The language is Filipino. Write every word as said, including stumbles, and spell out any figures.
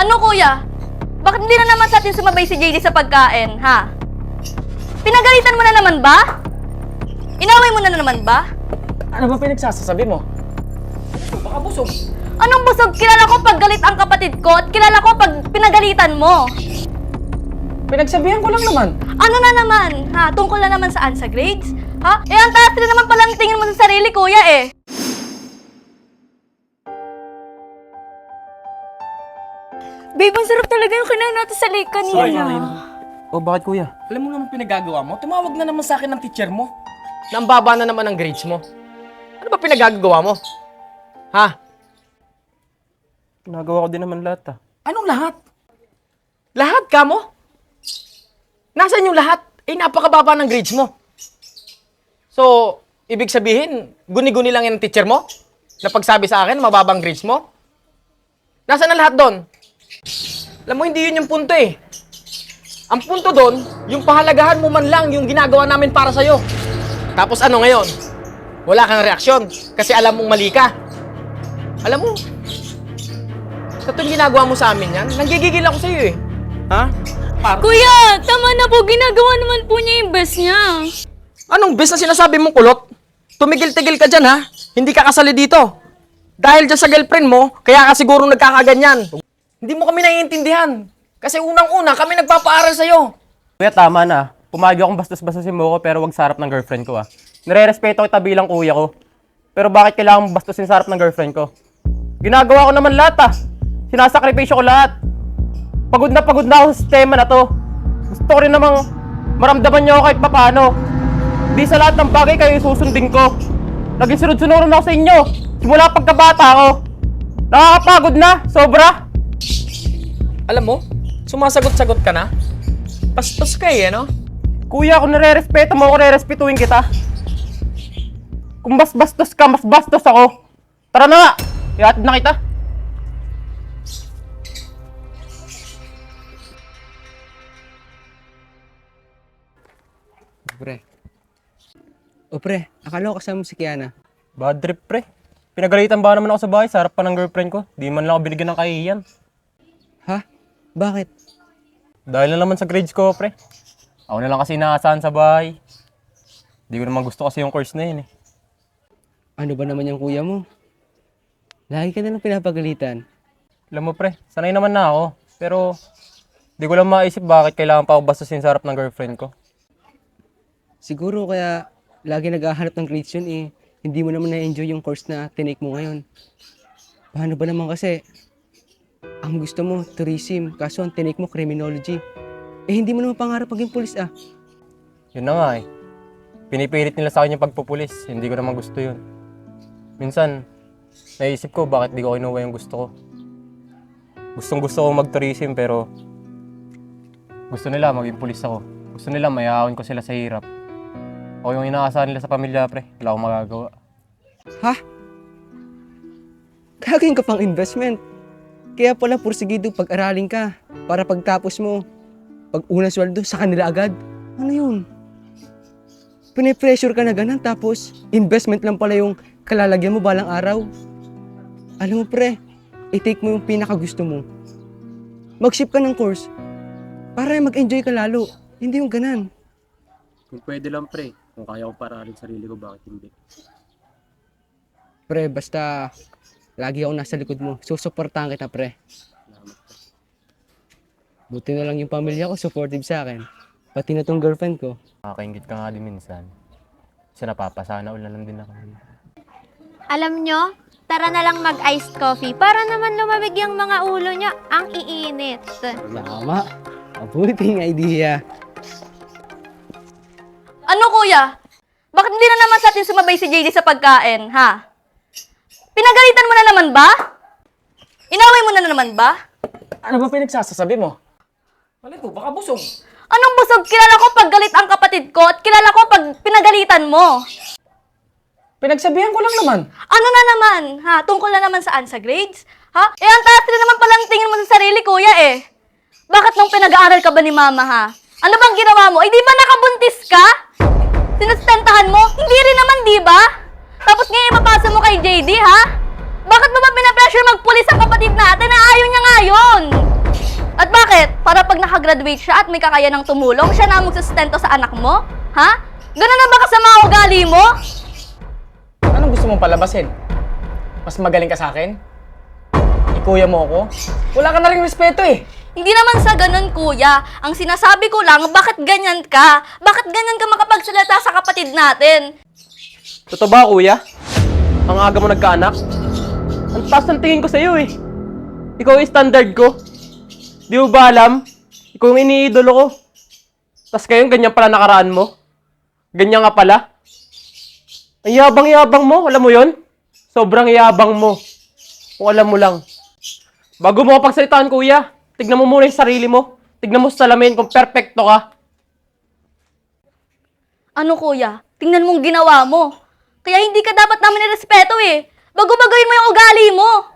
Ano kuya? Bakit hindi na naman sa atin sumabay si J D sa pagkain, ha? Pinagalitan mo na naman ba? Inaway mo na naman ba? Ano ba pinagsasasabi mo? Baka busog. Anong busog? Kilala ko pag galit ang kapatid ko at kilala ko pag pinagalitan mo. Pinagsabihan ko lang naman. Ano na naman, ha? Tungkol na naman saan? Sa grades? Ha? Eh, ang taas rin naman palang tingin mo sa sarili, kuya, eh. Babe, ang sarap talaga yung kinain natin sa lake kanina. O bakit kuya? Alam mo naman pinagagawa mo? Tumawag na naman sa akin ng teacher mo. Nang baba na naman ang grades mo. Ano ba pinagagawa mo? Ha? Nagawa ko din naman lahat ah. Anong lahat? Lahat ka mo? Nasaan yung lahat? Eh, napakababa ng grades mo. So, ibig sabihin, guni-guni lang yung teacher mo? Na pagsabi sa akin, mababang grades mo? Nasaan ang lahat doon? Alam mo, hindi yun yung punto eh. Ang punto doon, yung pahalagahan mo man lang yung ginagawa namin para sa'yo. Tapos ano ngayon? Wala kang reaksyon kasi alam mong mali ka. Alam mo, sa tuwing ginagawa mo sa amin yan, nanggigigil ako sa'yo eh. Ha? Par- Kuya, tama na po. Ginagawa naman po niya yung best niya. Anong best na sinasabi mong kulot? Tumigil-tigil ka dyan ha? Hindi ka kasali dito. Dahil dyan sa girlfriend mo, kaya ka siguro nagkakaganyan. Hindi mo kami naiintindihan. Kasi unang-una, kami nagpapaaral sa'yo. Kuya, tama na. Pumagi akong bastos-bastosin mo ko pero wag sa harap ng girlfriend ko ah. Nire-respeto kita bilang kuya ko. Pero bakit kailangan mong bastusin sa harap ng girlfriend ko? Ginagawa ko naman lahat ah. Sinasakripisyo ko lahat. Pagod na pagod na ako sa sistema na to. Gusto ko rin namang maramdaman niyo ako kahit papano. Di sa lahat ng bagay kayo susundin ko. Naging sunod-sunuran ako sa inyo. Simula pagkabata ko. Nakakapagod na. Sobra. Alam mo, sumasagot-sagot ka na. Pastos ka eh, no? Kuya, kung nare-respeto mo ako, nare-respetuhin kita. Kung mas bastos ka, mas bastos ako. Tara na nga! Ihatid na kita. Pre. O pre, akala ko kasama mo si Kiana. Bad trip, pre. Pinagalitan ba naman ako sa bahay sa harap pa ng girlfriend ko? Di man lang ako binigyan ng kahihiyan. Ha? Bakit? Dahil na naman sa grades ko, pre. Ako na lang kasi naasahan sa bahay. Di ko naman gusto kasi yung course na yun eh. Ano ba naman yung kuya mo? Lagi ka na lang pinapagalitan. Alam mo, pre, sanay naman na ako. Pero, di ko lang maisip bakit kailangan pa ako bastusin sa harap ng girlfriend ko. Siguro kaya lagi naghahanap ng grades yun eh. Hindi mo naman na-enjoy yung course na tinake mo ngayon. Paano ba naman kasi? Ang gusto mo, tourism. Kaso ang tinake mo, criminology. Eh hindi mo naman pangarap maging pulis ah. Yun na nga eh. Pinipilit nila sa akin yung pagpupulis. Hindi ko naman gusto yun. Minsan, naisip ko bakit di ko kinuha yung gusto ko. Gustong gusto ko mag-tourism pero gusto nila maging pulis ako. Gusto nila mayahon ko sila sa hirap. Ako yung inaasahan nila sa pamilya, pre. Wala akong magagawa. Ha? Gagawin ka pang investment. Kaya pala pursigido pag-aralin ka. Para pagtapos mo, pag una sweldo, sa kanila agad. Ano yun? Pine-pressure ka na ganun tapos investment lang pala yung kalalagyan mo balang araw. Alam mo pre, i-take mo yung pinakagusto mo. Mag-ship ka ng course para mag-enjoy ka lalo. Hindi yung ganan. Kung pwede lang, pre. Kung kaya ko paralin sarili ko, bakit hindi? Pre, basta lagi ako nasa likod mo. Susuportahan kita, pre. Buti na lang yung pamilya ko, supportive sa akin. Pati na tong girlfriend ko. Nakakaingit ka nga din minsan. Kasi napapasana ulan lang din ako. Alam nyo, tara na lang mag-iced coffee para naman lumamig yung mga ulo nyo. Ang iinit. Tama. Mabuting idea. Ano kuya? Bakit hindi na naman sa atin sumabay si J D sa pagkain, ha? Pinagalitan mo na naman ba? Inaway mo na naman ba? Ano ba pinagsasasabi mo? Malito, baka busog. Anong busog? Kilala ko pag galit ang kapatid ko at kilala ko pag pinagalitan mo. Pinagsabihan ko lang naman. Ano na naman, ha? Tungkol na naman saan? Sa grades? Ha? Eh, ang taas rin naman palang tingin mo sa sarili, kuya, eh. Bakit nung pinag-aaral ka ba ni mama, ha? Ano bang ginawa mo? Eh, di ba nakabuntis ka? Sinustentahan mo? Hindi rin naman, di ba? Tapos ngayon ipapasa mo kay J D, ha? Bakit mo ba pinapressure magpulis ang kapatid natin na ayaw niya nga yun? At bakit? Para pag nakagraduate siya at may kakayanang tumulong, siya na ang magsustento sa anak mo? Ha? Ganun na ba kasama ang ugali mo? Anong gusto mong palabasin? Mas magaling ka sa akin? Ikuya mo ako? Wala ka na rin respeto eh. Hindi naman sa ganun, kuya. Ang sinasabi ko lang, bakit ganyan ka? Bakit ganyan ka makapagsalita sa kapatid natin? Totoo ba, kuya? Ang aga mo nagkaanak? Ang taas ng tingin ko sa'yo eh. Ikaw yung standard ko. Di mo ba alam? Ikaw yung iniidolo ko. Tapos ngayon, ganyan pala nakaraan mo. Ganyan nga pala. Ang yabang-yabang mo, alam mo yon? Sobrang yabang mo. Kung alam mo lang. Bago mo pagsalitaan, kuya, tignan mo muna yung sarili mo. Tignan mo sa salamin kung perfecto ka. Ano, kuya? Tingnan mong ginawa mo. Kaya hindi ka dapat namin irespeto eh. Bago-bagoyin mo yung ugali mo.